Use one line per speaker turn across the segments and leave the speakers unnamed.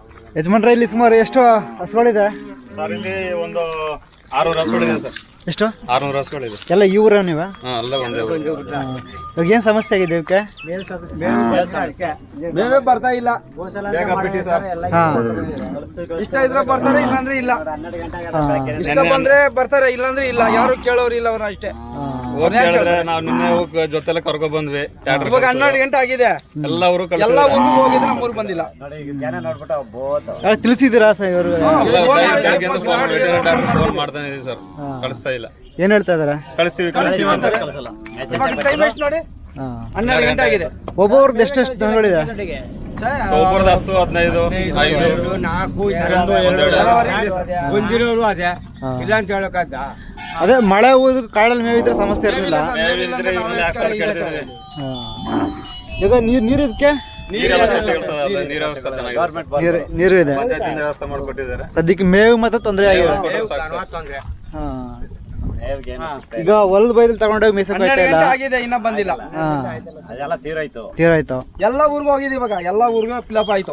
ಯಜಮಾನ್ರೆ ಇಲ್ಲಿ ಸುಮಾರು ಎಷ್ಟು ಹಸುಗಳಿದೆ?
ಸರ್ ಇಲ್ಲಿ ಒಂದು 600 ಹಸುಗಳಿದೆ ಸರ್.
ಎಷ್ಟು?
600 ಹಸುಗಳಿದೆ.
ಎಲ್ಲ ಇವ್ರ ನೀವ?
ಎಲ್ಲ ಒಂದೇ.
ಇವಾಗ ಏನ್ ಸಮಸ್ಯೆ ಆಗಿದೆ ಇವಕ್ಕೆ?
ಮೇವೇ ಬರ್ತಾ ಇಲ್ಲ.
ಬೇಗ ಬಿಟ್ಟು ಸರ್.
ಇಷ್ಟ ಇದ್ರೆ ಬರ್ತಾರೆ, ಇಲ್ಲಾಂದ್ರೆ ಇಲ್ಲ. ಇಷ್ಟ ಬಂದ್ರೆ ಬರ್ತಾರೆ, ಇಲ್ಲಾಂದ್ರೆ ಇಲ್ಲ. ಯಾರು ಕೇಳೋರು ಇಲ್ಲ ಅವ್ರ ಅಷ್ಟೇ.
ನಾವು ನಿನ್ನೆ ಜೊತೆಲ್ಲ ಕರ್ಕೊ ಬಂದ್ವಿ.
ಇವಾಗ 12 ಗಂಟೆ ಆಗಿದೆ.
ಎಲ್ಲ ಊರಿಗೆ
ಹೋಗಿದ್ರೆ ನಮ್ಮೂರು ಬಂದಿಲ್ಲ.
ತಿಳಿಸಿದ್ದೀರಾ ಸರ್ ಇವರು?
ಫೋನ್ ಮಾಡ್ತಾನೆ ಇದೀವಿ ಸರ್, ಕಳಿಸ್ತಾ ಇಲ್ಲ.
ಏನ್ ಹೇಳ್ತಾ ಇದಾರೆ?
ಕಳಿಸ್ತೀವಿ
ಅಂತಾರೆ. ಇವಾಗ ಟೈಮ್ ಎಷ್ಟು ನೋಡಿ, 12 ಗಂಟೆ ಆಗಿದೆ.
ಒಬ್ಬೊಬ್ರದ್ದು ಎಷ್ಟೆಷ್ಟು ದನಗಳಿದೆ?
ಒಬ್ಬರದ್ದು 10, 15, 5,
4 ಅದೇ ಇಲ್ಲ ಅಂತ ಹೇಳಕ್ಕಾದ.
ಅದೇ ಮಳೆ ಹೋದ ಕಾಡಲ್ಲಿ ಮೇವಿದ್ರೆ ಸಮಸ್ಯೆ ಇರಲಿಲ್ಲ. ಈಗ ನೀರು ಇದಕ್ಕೆ ನೀರು ಇದೆ. ಸದ್ಯಕ್ಕೆ ಮೇವು ಮತ್ತೆ ತೊಂದರೆ ಆಗಿದೆ. ಈಗ ಹೊಲದ ಬೈದಲ್ಲಿ ತಗೊಂಡೋಗಿ ಮೇಸಕ್ಕೆ
ಆಗಿದೆ, ಇನ್ನ ಬಂದಿಲ್ಲ.
ತೀರಾಯ್ತು.
ಎಲ್ಲ ಊರ್ಗೂ ಹೋಗಿದೆ. ಇವಾಗ ಎಲ್ಲ ಊರ್ಗೂ ಫಿಲಪ್ ಆಯ್ತು.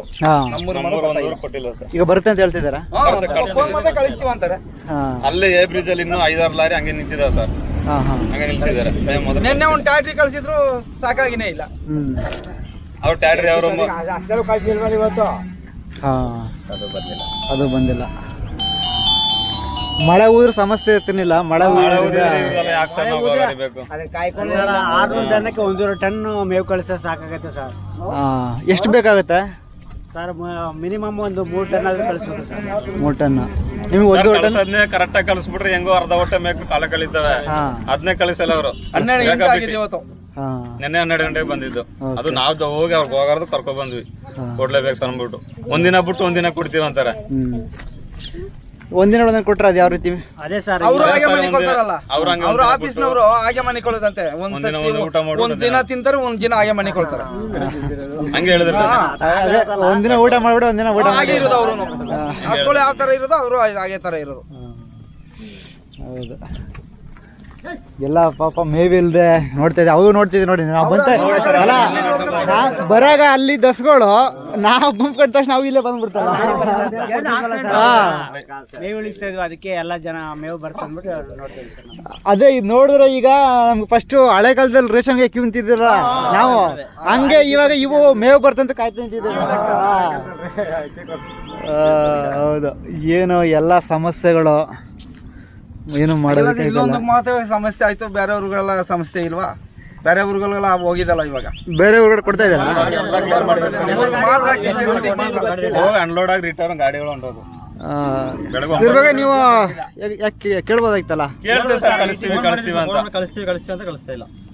ಈಗ ಬರುತ್ತೆ ಅಂತ ಹೇಳ್ತಿದಾರ.
ಕಳಿಸ್ತೀವಿ ಅಂತಾರೆ.
ಅಲ್ಲೇ ಎ ಬ್ರಿಡ್ಜ್ ಅಲ್ಲಿ ಇನ್ನೂ 5-6 ಲಾರಿ ಹಂಗೆ ನಿಂತಿದಾವೆ ಸರ್. ಹಂಗೆ ನಿಲ್ಸಿದ್ದಾರೆ.
ನಿನ್ನೆ ಒಂದು ಟ್ಯಾಕ್ಟ್ರಿ ಕಳ್ಸಿದ್ರು, ಸಾಕಾಗಿನೇ ಇಲ್ಲ.
ಅವ್ರು ಟ್ಯಾಕ್ಟ್ರಿ ಅವರು
ಇವತ್ತು
ಅದು ಬಂದಿಲ್ಲ. ಮಳೆ ಹೋದ್ರೆ ಸಮಸ್ಯೆ ಇರ್ತಿರ್ಲಿಲ್ಲ. ಮಳೆ
ಕಾಯ್ಕೊಂಡು 600 ಜನಕ್ಕೆ 1 ಟನ್ ಮೇವು ಕಳಿಸ ಸಾಕಾಗತ್ತೆ ಸರ್.
ಎಷ್ಟು ಬೇಕಾಗತ್ತೆ
ಸರ್? ಮಿನಿಮಮ್ ಒಂದು 3 ಟನ್ ಆದ್ರೂ ಕಳಿಸ್ಬೇಕು ಸರ್.
3 ಟನ್ ನಿಮ್ಗೆ 1 ಟನ್
ಕರೆಕ್ಟ್ ಆಗಿ ಕಳಿಸ್ಬಿಟ್ರೆ ಹೆಂಗೋ ಅರ್ಧ ಹೊಟ್ಟೆ ಮೇಕು ಕಾಲ ಕಳಿತವೆ. ಅದನ್ನೇ ಕಳಿಸಲ್ಲ ಅವರು.
12 ಗಂಟೆ ಆಗಿದೆ ಇವತ್ತು.
ನೆನ್ನೆ 12 ಗಂಟೆಗೆ ಬಂದಿದ್ದು. ಅದು ನಾವು ಹೋಗಿ ಅವ್ರಿಗೆ ಹೋಗಾರ್ದು ಕರ್ಕೊ ಬಂದ್ವಿ. ಕೊಡ್ಲೇಬೇಕು ಸರ್ ಅಂದ್ಬಿಟ್ಟು. ಒಂದಿನ ಬಿಟ್ಟು ಒಂದಿನ ಕೊಡ್ತೀವಿ ಅಂತಾರೆ.
ಒಂದಿನ ಕೊಟ್ರೆ ಅದು ಯಾವ ರೀತಿ?
ಅದೇ ಸರ್, ಅವರು ಹಾಗೆ ಮನೆ ಕೊಡ್ತಾರಲ್ಲ, ಅವ್ರ ಆಫೀಸ್ನವರು ಹಾಗೆ ಮನೆ ಕೊಡೋದಂತೆ. ಒಂದ್ ದಿನ ತಿಂತಾರೆ, ಒಂದ್ ದಿನ ಹಾಗೆ ಮನೆ ಕೊಡ್ತಾರೆ.
ಹಂಗೆ ಹೇಳಿದ್ರೆ
ಒಂದಿನ ಊಟ ಮಾಡ್ಬಿಟ್ಟು ಒಂದಿನ ಊಟ
ಹಾಗೆ ಇರೋದು. ಅವರು ಹಸುಗಳು ಯಾವ ತರ ಇರೋದು, ಅವರು ಹಾಗೆ ತರ ಇರೋದು.
ಹೌದು. ಎಲ್ಲ ಪಾಪ ಮೇವಿಲ್ದೆ ನೋಡ್ತಾ ಇದ್ದೆ. ಅವು ನೋಡ್ತಿದ್ದೆ ನೋಡಿ. ನಾವು ಬಂತ ಅಲ್ಲ, ಬರಾಗ ಅಲ್ಲಿ ದಸ್ಗಳು ನಾವು ಗುಂಪು ಕಟ್ಟ ತಕ್ಷಣ ನಾವು ಇಲ್ಲೇ ಬಂದ್ಬಿಡ್ತಲ್ಲ.
ಮೇವು ಇಳಿಸ್ತಾ ಇದ್ವಿ, ಅದಕ್ಕೆ ಎಲ್ಲ ಜನ ಮೇವು ಬರ್ಕೊಂಡ್ಬಿಟ್ಟು ನೋಡ್ತಾ ಇದ್ವಿ.
ಅದೇ ಇದು ನೋಡಿದ್ರೆ ಈಗ ನಮ್ಗೆ ಫಸ್ಟ್ ಹಳೆ ಕಾಲದಲ್ಲಿ ರೇಷನ್ಗೆ ಕ್ಯೂ ನಿಂತಿದ್ದೀರ ನಾವು, ಹಂಗೆ ಇವಾಗ ಇವು ಮೇವು ಬರ್ತಂತ ಕಾಯ್ತಾ ನಿಂತಿದ್ದೀವಿ. ಹೌದು. ಏನು ಎಲ್ಲ ಸಮಸ್ಯೆಗಳು, ಏನು ಮಾಡೋದಕ್ಕೆ
ಇಲ್ಲೊಂದು ಮಾತ್ರ ಸಮಸ್ಯೆ ಆಯ್ತು. ಬೇರೆ ಊರುಗಳೆಲ್ಲ ಸಮಸ್ಯೆ ಇಲ್ವಾ? ಬೇರೆ ಊರುಗಳೆಲ್ಲ ಹೋಗಿದಲ್ಲ, ಇವಾಗ
ಬೇರೆ ಊರುಗಳು ಕೊಡ್ತಾ ಇದ್ದಾರೆ.
ಅನ್ಲೋಡ್ ಆಗಿ ರಿಟರ್ನ್ ಗಾಡಿಗಳು ಹೊಂಟೋದು.
ಇದ್ರ ಬಗ್ಗೆ ನೀವು ಕೇಳ್ಬೋದಾಯ್ತಲ್ಲ?
ಕಳಿಸ್ತೀವಿ ಅಂತ
ಕಳಿಸ್ತಾ ಇಲ್ಲ.